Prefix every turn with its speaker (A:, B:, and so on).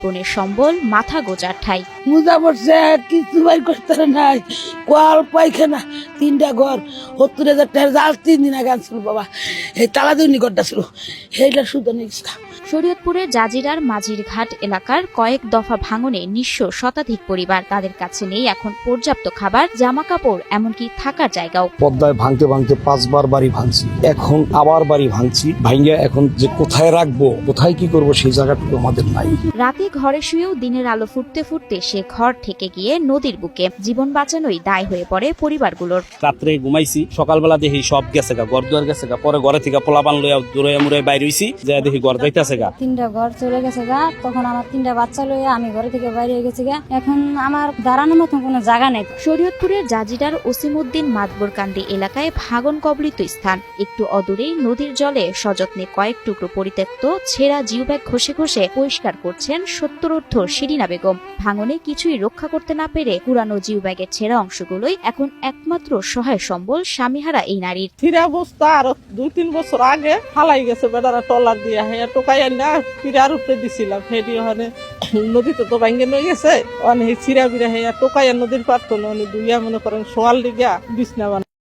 A: বনের সম্বল মাথা গোজার ঠাই।
B: মুজা পড়ছে কিছু বাই করতে নাই, কল পায়খানা 3টা ঘর 70,000 টাকার জাল 3 দিন আগে আনছিল বাবা। এই তালাদুনি ঘরটা ছিল সেইটা শুধু নিচ্ছে।
A: শরীয়তপুরের জাজিরার মাঝির ঘাট এলাকার কয়েক দফা ভাঙনে নিঃস্ব শতাধিক পরিবার। তাদের কাছে নেই এখন পর্যাপ্ত খাবার, জামা কাপড়, এমনকি থাকার জায়গাও।
C: পদ্মায় ভাঙতে ভাঙতে 5বার বাড়ি ভাঙছি, এখন আবার বাড়ি ভাঙছি। ভাঙিয়া এখন যে কোথায় রাখবো, কোথায় কি করব, সেই জায়গাটুকু আমাদের নাই।
A: রাতে ঘরে শুয়েও দিনের আলো ফুটতে ফুটতে সে ঘর থেকে গিয়ে নদীর বুকে। জীবন বাঁচানোই দায় হয়ে পড়ে পরিবারগুলোর।
D: রাত্রে ঘুমাইছি, সকালবেলা দেখি সব গেছে গা, ঘর দুয়ার গেছে গা। পরে ঘরে থেকে পোলাপান লইয়া দূরে মুড়ে বাইরে হইছি, যা দেখি ঘর যাইতেছে গা।
E: 3টা ঘর চলে গেছে গা। তখন আমার 3টা বাচ্চা লইয়া আমি ঘরে থেকে বাইরে হয়ে গেছি গা। এখন আমার দাঁড়ানোর মতন কোনো জায়গা নেই।
A: শরীয়তপুরের জাজিরার ওসিমউদ্দিন মাতবরকান্দি এলাকায় ভাগন কবলিত স্থান। একটু অদূরেই নদীর জলে সযত্নে কয়েক টুকরো পরিত্যক্ত ছেঁড়া জিও ব্যাগ ঘষে ঘষে পরিষ্কার করছেন 70 শিরিনা বেগম। ভাঙনে কিছুই রক্ষা করতে না পেরে পুরানো জিও ব্যাগের ছেঁড়া অংশগুলোই এখন একমাত্র সহায় সম্বল স্বামীহারা এই নারীর।
F: ফিরা অবস্থা আর 2-3 বছর আগে ফালাই গেছে বেটারা টলার দিয়া, হ্যাঁ টোকাই না ফিরার উপরে দিছিলাম। ফেরি ওখানে নদীতে তো ভাঙ্গে নই গেছে, অনেক চিরা বিরা হ্যাঁ টোকাইয়া নদীর পারতো না, দুইয়া মনে করেন সোয়াল দিঘা বিছনা বানা।